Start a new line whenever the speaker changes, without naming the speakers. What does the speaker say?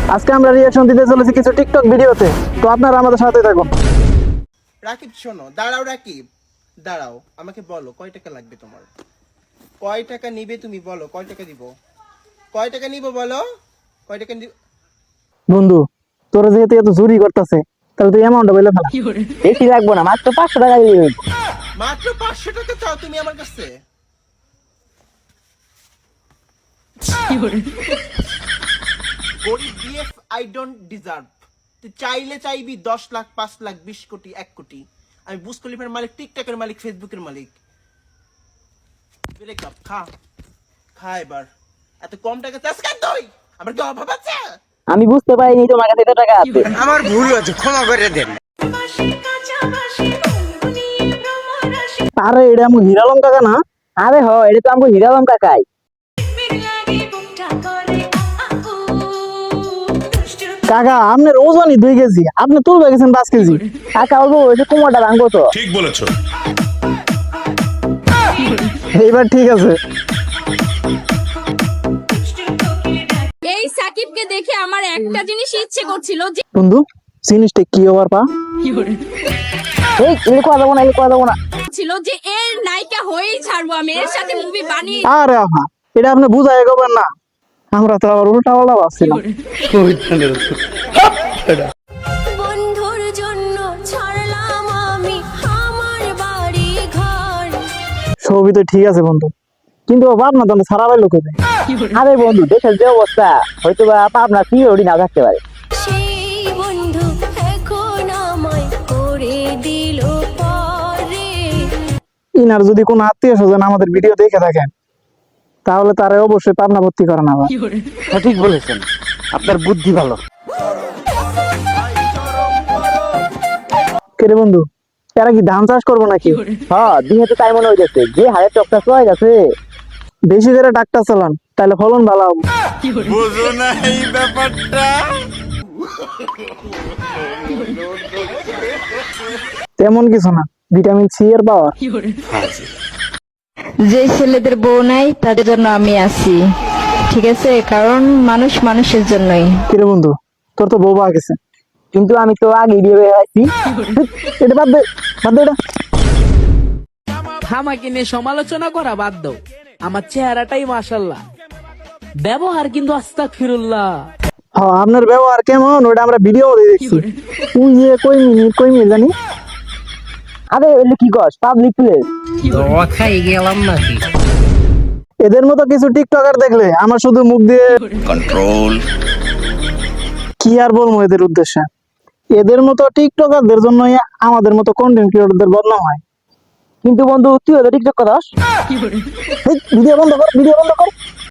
আজকে আমরা রিঅ্যাকশন দিতে চলেছি কিছু টিকটক ভিডিওতে, তো আপনারা আমাদের সাথে থাকুন।
রাকিব শোনো, দাঁড়াও রাকিব, দাঁড়াও, আমাকে বলো কয় টাকা লাগবে তোমার? কয় টাকা নিবে তুমি বলো, কয় টাকা দিব? কয় টাকা নিব বলো, কয় টাকা দিব?
বন্ধু, তোরা যেহেতু এত চুরি করতেছে, তাহলে তুই অ্যামাউন্টটা বলে ফেলা।
বেশি লাগবো না, মাত্র 500 টাকা দিবি।
মাত্র 500 টাকা চাও তুমি আমার কাছে? গরিব বিএফ আই ডোন্ট ডিজার্ভ। তুই চাইলে চাইবি 10 লাখ, 5 লাখ, 20 কোটি, 1 কোটি। আমি বুজ খলিফার মালিক, টিকটকের মালিক, ফেসবুকের মালিক। ব্রেক আপ, খা খা এবার। এত কম টাকা চাস কেন তুই? আমার কি অভাব আছে?
আমি বুঝতে পারিনি তোমার কাছে এত টাকা আছে।
আমার ভুল হয়েছে, ক্ষমা করে দেন।
আরে এটা আমার হিরালম কাকা না?
আরে হ, এটা তো আমাকে হিরালম কাকাই।
কাকা আপনার ওজনই 2 কেজি, আপনি তুলবে গেছেন 5 কেজি।
কাকা বলবো ওই যে কোমরটা ভাঙবো তো।
ঠিক বলেছো।
এইবার ঠিক আছে।
এই সাকিবকে দেখে আমার একটা জিনিস ইচ্ছে করছিল যে
বন্ধু, জিনিসটা কি ওভার পা?
এই এটা করা যাবো না, এটা করা যাবো না।
ছিল যে এর নায়িকা হয়েই ছাড়বো, আমি এর সাথে মুভি বানিয়ে।
আরে আহা, এটা আপনি বুঝাই এগোবেন না, আমরা তো আবার উল্টা পাল্টা ভাবছিলাম।
বন্ধুর জন্য ছাড়লাম আমি আমার বাড়ি ঘর।
ছবি তো ঠিক আছে বন্ধু, কিন্তু ও ভাবনা তো সারা বাইর লোক হবে।
আরে বন্ধু, দেশের যে অবস্থা, হয়তো বা আপনার কি ওডি না থাকতে পারে।
সেই বন্ধু এখন আমায় করে দিল পরে।
ইনার যদি কোনো আত্মীয় স্বজন আমাদের ভিডিও দেখে থাকেন, তাহলে তারা অবশ্যই পাবনা ভর্তি করে না।
সঠিক বলেছেন, আপনার বুদ্ধি ভালো।
কে রে বন্ধু, এরা কি ধান চাষ করবো নাকি?
হ্যাঁ, দিনে তো তাই মনে হইতেছে, যে হারে টকটা চলে গেছে।
বেশি করে ট্রাক্টর চালান, তাহলে ফলন ভালো হবে।
বুঝো না এই ব্যাপারটা।
তেমন কিছু না, ভিটামিন সি এর পাওয়ার।
যে ছেলেদের বউ নাই তাদের জন্য আমি আছি, ঠিক আছে? কারণ মানুষ মানুষের জন্যই।
কে রে বন্ধু, তোর তো বউ পাওয়া গেছে।
কিন্তু আমি তো আগে বিয়ে হয়ে আছি।
এটা বাদ দে, বাদ দে এটা।
আমাকে নিয়ে সমালোচনা করা বাদ দাও, আমার চেহারাটাই মাশাল্লাহ, ব্যবহার কিন্তু আস্তাগফিরুল্লাহ।
হ্যাঁ, আপনার ব্যবহার কেমন ওটা আমরা ভিডিও দেখছি। তুই যে কই মিনিট জানি।
আরে এলে কি কস, পাবলিক প্লেস।
এদের মতো কিছু টিকটকার দেখলে আমার শুধু মুখ দিয়ে
কন্ট্রোল।
কি আর বলবো এদের উদ্দেশ্যে। এদের মতো টিকটকারদের জন্যই আমাদের মতো কন্টেন্ট ক্রিয়েটরদের বদনাম হয়।
কিন্তু বন্ধু, তুই হলো টিকটক করাস।
ভিডিও বন্ধ কর, ভিডিও বন্ধ কর।